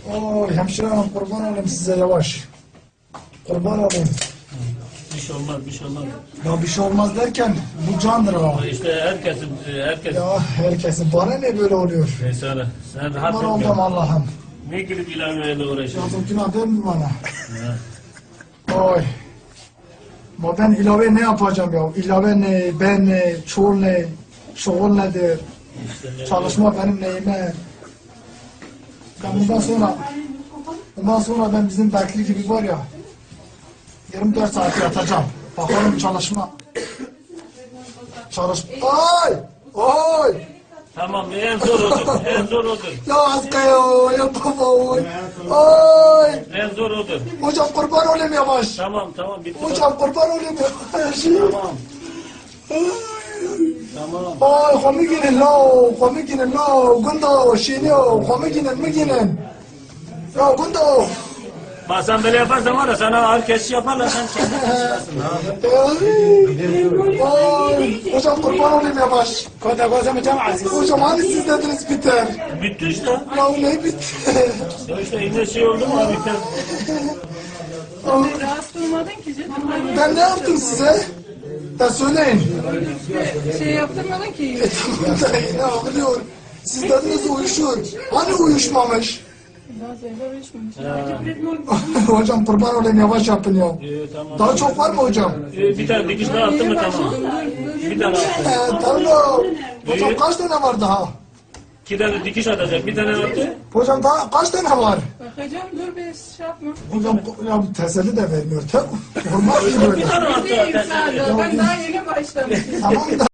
Oy hemşire hanım kurban olayım size yavaş. Kurban olayım. Bir şey olmaz, bir şey olmaz. Ya bir şey olmaz derken bu candır ha. İşte herkes. Ya herkesin bana ne böyle oluyor? Neyse sen rahat Kurban ol. oldum Allah'ım. Ne gidip ilaveyle uğraşıyorsun? Yazık günah değil mi bana? Oy. Ama ben ilave ne yapacağım ya? İlave ne, ben ne, çoğul ne, şoğul nedir? Çalışma benim neyime? Ben bundan sonra ben bizim Bekli gibi var ya 24 saat yatacağım. Bakalım çalışma. Ay! Ay! Tamam en zor odur. En zor odur. Ya aska ya baba oy. Ay! En zor odur. Hocam kurban olayım yavaş. Tamam bitti. Hocam kurban olayım yavaş. Tamam. Tamam. Ay komikinin la, gundo, şiniyo, komikinin mi ginin? Ya gundo. Bak sen böyle yaparsan var ya sana ağır kesiş yaparlar sen kendin çıkarsın. Ay, hocam kurban olayım yavaş. Hocam hani siz dediniz biter. Bitti işte. Ya ne bitti? Ya işte yine şey oldu mu abi sen? Rahat durmadın ki canım. Ben ne yaptım size? Ya söyleyin. Şey yaptırmadın ki. Tamam da ne oluyor? Siz dediniz uyuşur. Hani uyuşmamış? Bazen uyuşmamış. Hocam kurban olayım yavaş yapın ya. Tamam. Daha çok var mı hocam? Bir tane dikiş daha attın mı tamam. Bir tane attı. Tamam. Hocam kaç tane var daha? 2 tane dikiş atacak. Bir tane attı. Hocam daha kaç tane var? Bakacağım dur bir şey yapma. Hocam ya teselli de vermiyor. Olmaz ki böyle. Bir tane attı. Ben daha yeni başlamışım. Tamam da